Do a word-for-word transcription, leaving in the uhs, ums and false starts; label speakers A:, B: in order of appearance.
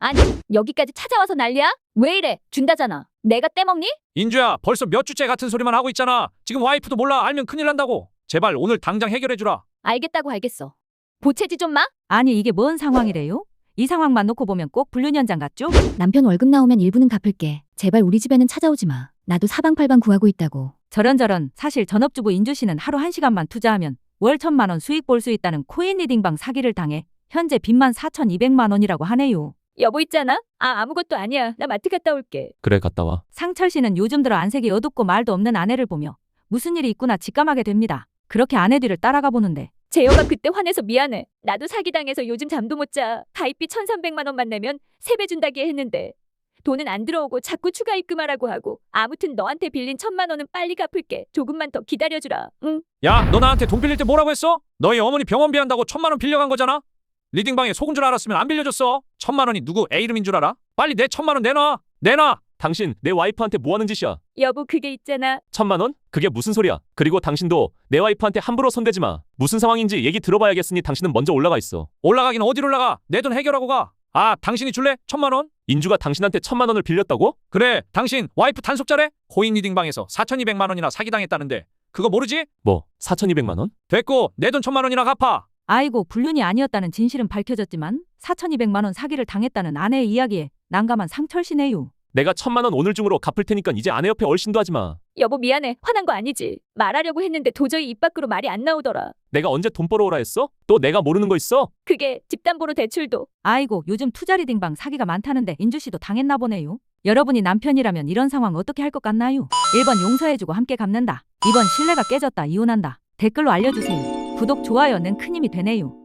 A: 아니, 여기까지 찾아와서 난리야? 왜 이래? 준다잖아. 내가 떼먹니?
B: 인주야, 벌써 몇 주째 같은 소리만 하고 있잖아. 지금 와이프도 몰라. 알면 큰일 난다고. 제발 오늘 당장 해결해주라.
A: 알겠다고 알겠어. 보채지 좀 마?
C: 아니 이게 뭔 상황이래요? 이 상황만 놓고 보면 꼭 불륜현장 같죠?
A: 남편 월급 나오면 일부는 갚을게. 제발 우리 집에는 찾아오지 마. 나도 사방팔방 구하고 있다고.
C: 저런저런. 사실 전업주부 인주씨는 하루 한 시간만 투자하면 월 천만 원 수익 볼 수 있다는 코인 리딩방 사기를 당해 현재 빚만 사천이백만 원이라고 하네요.
A: 여보 있잖아? 아 아무것도 아니야. 나 마트 갔다 올게.
D: 그래, 갔다 와.
C: 상철 씨는 요즘 들어 안색이 어둡고 말도 없는 아내를 보며 무슨 일이 있구나 직감하게 됩니다. 그렇게 아내 뒤를 따라가 보는데
A: 재혁아 그때 화내서 미안해. 나도 사기당해서 요즘 잠도 못 자. 가입비 천삼백만 원만 내면 세 배 준다기 했는데 돈은 안 들어오고 자꾸 추가 입금하라고 하고. 아무튼 너한테 빌린 천만 원은 빨리 갚을게. 조금만 더 기다려주라. 응?
B: 야, 너 나한테 돈 빌릴 때 뭐라고 했어? 너희 어머니 병원비 한다고 천만 원 빌려간 거잖아? 리딩방에 속은 줄 알았으면 안 빌려줬어. 천만 원이 누구 애 이름인 줄 알아? 빨리 내 천만 원 내놔. 내놔.
D: 당신 내 와이프한테 뭐 하는 짓이야?
A: 여보 그게 있잖아.
D: 천만 원? 그게 무슨 소리야? 그리고 당신도 내 와이프한테 함부로 손대지 마. 무슨 상황인지 얘기 들어봐야겠으니 당신은 먼저 올라가 있어.
B: 올라가긴 어디로 올라가? 내 돈 해결하고 가. 아, 당신이 줄래? 천만 원?
D: 인주가 당신한테 천만 원을 빌렸다고?
B: 그래, 당신 와이프 단속자래? 코인 리딩방에서 사천이백만 원이나 사기당했다는데 그거 모르지?
D: 뭐, 사천이백만 원?
B: 됐고 내 돈 천만 원이나 갚아.
C: 아이고 불륜이 아니었다는 진실은 밝혀졌지만 사천이백만 원 사기를 당했다는 아내의 이야기에 난감한 상철 씨네요.
D: 내가 천만 원 오늘 중으로 갚을 테니까 이제 아내 옆에 얼씬도 하지 마.
A: 여보 미안해. 화난 거 아니지. 말하려고 했는데 도저히 입 밖으로 말이 안 나오더라.
D: 내가 언제 돈 벌어오라 했어? 또 내가 모르는 거 있어?
A: 그게 집담보로 대출도.
C: 아이고 요즘 투자 리딩방 사기가 많다는데 인주씨도 당했나 보네요. 여러분이 남편이라면 이런 상황 어떻게 할 것 같나요? 일 번 용서해주고 함께 갚는다. 이 번 신뢰가 깨졌다 이혼한다. 댓글로 알려주세요. 구독, 좋아요는 큰 힘이 되네요.